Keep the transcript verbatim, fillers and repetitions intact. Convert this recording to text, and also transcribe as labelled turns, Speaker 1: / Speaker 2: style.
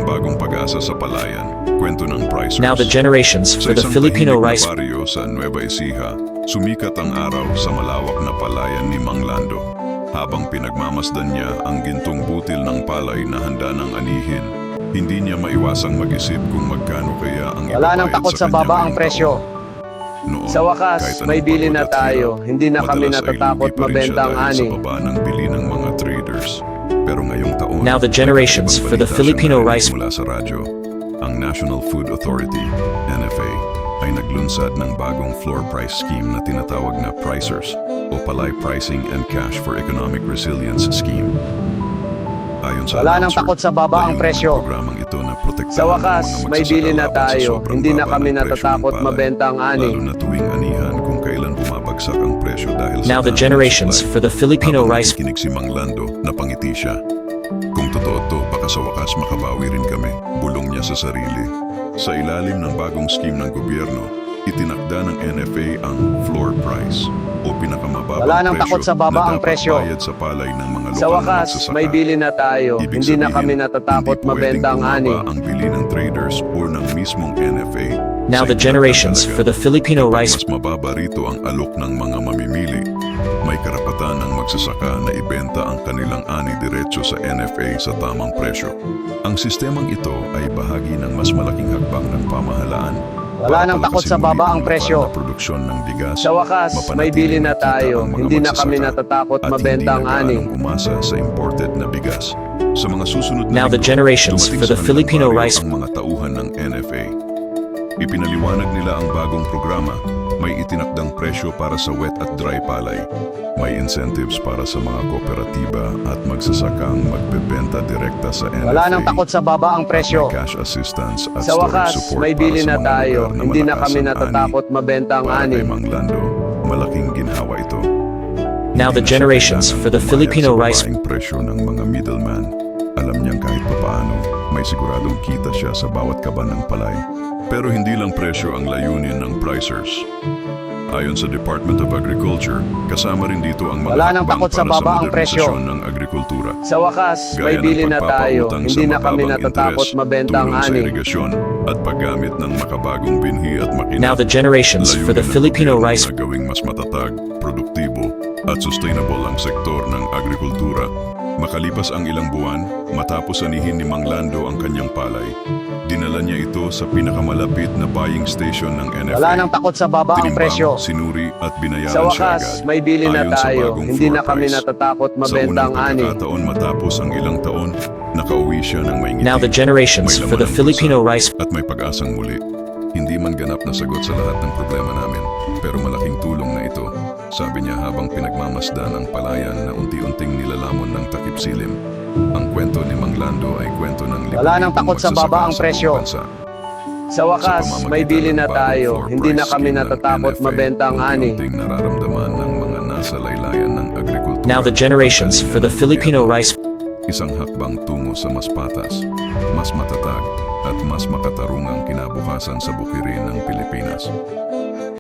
Speaker 1: bagong pag-asa sa palayan, kwento ng Pricers.
Speaker 2: Now the generations
Speaker 1: Sa
Speaker 2: for the
Speaker 1: isang
Speaker 2: Filipino
Speaker 1: tahimik na
Speaker 2: rice.
Speaker 1: baryo sa Nueva Ecija, sumikat ang araw sa malawak na palayan ni Mang Lando. Habang pinagmamasdan niya ang gintong butil ng palay na handa ng anihin, hindi niya maiwasang mag-isip kung magkano kaya ang
Speaker 3: Wala nang
Speaker 1: ibabayad
Speaker 3: takot sa
Speaker 1: kanya
Speaker 3: baba ang
Speaker 1: ngayong
Speaker 3: presyo.
Speaker 1: taon. Noon,
Speaker 3: Sa wakas,
Speaker 1: kahit anong
Speaker 3: may bili na
Speaker 1: pagod at
Speaker 3: tayo.
Speaker 1: hirap,
Speaker 3: Hindi na kami
Speaker 1: madalas ay
Speaker 3: natatakot
Speaker 1: lugi pa rin
Speaker 3: mabenta
Speaker 1: siya
Speaker 3: ang
Speaker 1: dahil
Speaker 3: ani.
Speaker 1: Sa baba ng bili ng mga traders. Pero ngayong taon,
Speaker 2: Now the generations
Speaker 1: may
Speaker 2: for the
Speaker 1: ibang balita
Speaker 2: Filipino
Speaker 1: siyang
Speaker 2: rice.
Speaker 1: narinig mula sa radyo. Ang National Food Authority, N F A, ay naglunsad ng bagong floor price scheme na tinatawag na Pricers o Palay Pricing and Cash for Economic Resilience Scheme. Ayon sa
Speaker 3: Wala nang
Speaker 1: announcer,
Speaker 3: takot sa baba ang
Speaker 1: layunin ng
Speaker 3: presyo.
Speaker 1: programang ito na protektahan
Speaker 3: Sa
Speaker 1: ang
Speaker 3: wakas,
Speaker 1: mga
Speaker 3: may
Speaker 1: magsasaka
Speaker 3: bili na
Speaker 1: laban sa
Speaker 3: tayo.
Speaker 1: sobrang
Speaker 3: Hindi na
Speaker 1: baba
Speaker 3: kami
Speaker 1: ng presyo ng
Speaker 3: natatakot
Speaker 1: palay,
Speaker 3: mabenta ang ani.
Speaker 1: lalo na tuwing anihan kung kailan bumabagsak ang presyo dahil sa
Speaker 2: Now the
Speaker 1: dami ng
Speaker 2: generations
Speaker 1: supply.
Speaker 2: for the Filipino
Speaker 1: Habang
Speaker 2: rice.
Speaker 1: nakikinig si Mang Lando, napangiti siya. Kung totoo to, baka sa wakas makabawi rin kami, bulong niya sa sarili. Sa ilalim ng bagong scheme ng gobyerno, itinakda ng N F A ang floor price o pinakamababang
Speaker 3: Wala nang
Speaker 1: presyo
Speaker 3: takot sa baba
Speaker 1: na
Speaker 3: ang
Speaker 1: dapat
Speaker 3: presyo.
Speaker 1: bayad sa palay ng mga lokal
Speaker 3: Sa
Speaker 1: na
Speaker 3: wakas,
Speaker 1: magsasaka.
Speaker 3: may bili na tayo.
Speaker 1: Ibig
Speaker 3: Hindi na
Speaker 1: sabihin,
Speaker 3: kami natatakot
Speaker 1: hindi
Speaker 3: mabenta ang
Speaker 1: pwedeng
Speaker 3: ani.
Speaker 1: bumaba ang bili ng traders o ng mismong N F A.
Speaker 2: Now
Speaker 1: Sa
Speaker 2: the
Speaker 1: iba
Speaker 2: generations
Speaker 1: talaga,
Speaker 2: for the Filipino
Speaker 1: kapag
Speaker 2: rice.
Speaker 1: mas mababa rito ang alok ng mga mamimili, may karapatan ang magsasaka na ibenta ang kanilang ani diretso sa N F A sa tamang presyo. Ang sistemang ito ay bahagi ng mas malaking hakbang ng pamahalaan.
Speaker 3: Wala nang takot sa baba ang presyo.
Speaker 1: Na produksyon ng bigas,
Speaker 3: Sa wakas, may bili na tayo. Hindi na kami natatakot mabenta ang ani.
Speaker 1: At hindi na umasa sa imported na bigas. Sa mga susunod na
Speaker 2: Now the
Speaker 1: linggo,
Speaker 2: generations
Speaker 1: dumating
Speaker 2: for
Speaker 1: sa
Speaker 2: the
Speaker 1: kanilang
Speaker 2: Filipino
Speaker 1: baryo
Speaker 2: rice.
Speaker 1: ang mga tauhan ng N F A. Ipinaliwanag nila ang bagong programa. May itinakdang presyo para sa wet at dry palay. May incentives para sa mga kooperatiba at magsasakang magbebenta direkta sa N F A.
Speaker 3: Wala nang takot sa baba ang presyo.
Speaker 1: May cash assistance at
Speaker 3: Sa
Speaker 1: storage
Speaker 3: wakas,
Speaker 1: support
Speaker 3: may
Speaker 1: para
Speaker 3: bili
Speaker 1: sa
Speaker 3: na
Speaker 1: mga
Speaker 3: tayo.
Speaker 1: lugar na
Speaker 3: Hindi na
Speaker 1: malakas
Speaker 3: kami
Speaker 1: ang
Speaker 3: natatakot
Speaker 1: ani.
Speaker 3: mabenta ang
Speaker 1: Para
Speaker 3: ani.
Speaker 1: kay Mang Lando, malaking ginhawa ito.
Speaker 2: Now the
Speaker 1: Hindi na siya
Speaker 2: generations
Speaker 1: kailangang
Speaker 2: for the
Speaker 1: pumayag
Speaker 2: Filipino
Speaker 1: sa
Speaker 2: rice.
Speaker 1: babaeng presyo ng mga middleman. Alam niyang kahit papaano, may siguradong kita siya sa bawat kaban ng palay. Pero hindi lang presyo ang layunin ng Pricers. Ayon sa Department of Agriculture, kasama rin dito ang mga
Speaker 3: Wala nang
Speaker 1: hakbang
Speaker 3: takot sa
Speaker 1: para
Speaker 3: baba ang presyo.
Speaker 1: modernisasyon ng agrikultura.
Speaker 3: Sa wakas, may
Speaker 1: Gaya ng
Speaker 3: bili na tayo.
Speaker 1: pagpapautang
Speaker 3: Hindi
Speaker 1: sa
Speaker 3: na kami
Speaker 1: mababang
Speaker 3: natatakot
Speaker 1: interes,
Speaker 3: mabenta ang
Speaker 1: tulong sa
Speaker 3: ani.
Speaker 1: irigasyon, at paggamit ng makabagong binhi at makina.
Speaker 2: Now the generations for the
Speaker 1: Layunin ng
Speaker 2: Filipino
Speaker 1: gobyerno
Speaker 2: rice.
Speaker 1: na gawing mas matatag, produktibo, at sustainable ang sektor ng agrikultura. Makalipas ang ilang buwan, matapos anihin ni Mang Lando ang kanyang palay, dinala niya ito sa pinakamalapit na buying station ng N F A.
Speaker 3: Wala nang takot sa baba ang
Speaker 1: Tinimbang,
Speaker 3: presyo.
Speaker 1: sinuri at binayaran
Speaker 3: Sa
Speaker 1: siya
Speaker 3: wakas,
Speaker 1: agad.
Speaker 3: may bili na
Speaker 1: Ayon sa
Speaker 3: tayo.
Speaker 1: bagong
Speaker 3: Hindi
Speaker 1: floor
Speaker 3: na kami
Speaker 1: price.
Speaker 3: natatakot
Speaker 1: Sa
Speaker 3: mabenta
Speaker 1: unang
Speaker 3: ang ani.
Speaker 1: pagkakataon matapos ang ilang taon, nakauwi siya ng may ngiti.
Speaker 2: Now the generations
Speaker 1: May
Speaker 2: for the
Speaker 1: laman ang
Speaker 2: Filipino
Speaker 1: bulsa
Speaker 2: rice.
Speaker 1: At may pag-asang muli. Hindi man ganap na sagot sa lahat ng problema namin, pero malaking tulong na ito. Sabi niya habang pinagmamasdan ang palayan na unti-unting nilalamon ng takip silim. Ang kwento ni Mang Lando ay kwento ng
Speaker 3: Wala nang
Speaker 1: libu-libong
Speaker 3: takot sa
Speaker 1: magsasaka
Speaker 3: baba ang
Speaker 1: sa
Speaker 3: presyo.
Speaker 1: buong bansa.
Speaker 3: Sa wakas,
Speaker 1: pamamagitan
Speaker 3: may bili
Speaker 1: ng
Speaker 3: na
Speaker 1: bagong
Speaker 3: tayo.
Speaker 1: floor
Speaker 3: Hindi na
Speaker 1: price
Speaker 3: kami
Speaker 1: scheme ng
Speaker 3: natatakot
Speaker 1: N F A,
Speaker 3: mabenta ang ani.
Speaker 1: unti-unting nararamdaman ng mga nasa laylayan ng agrikultura.
Speaker 2: Now the generations for the Filipino rice.
Speaker 1: Isang hakbang tungo sa mas patas, mas matatag, at mas makatarungang kinabukasan sa bukirin ng Pilipinas.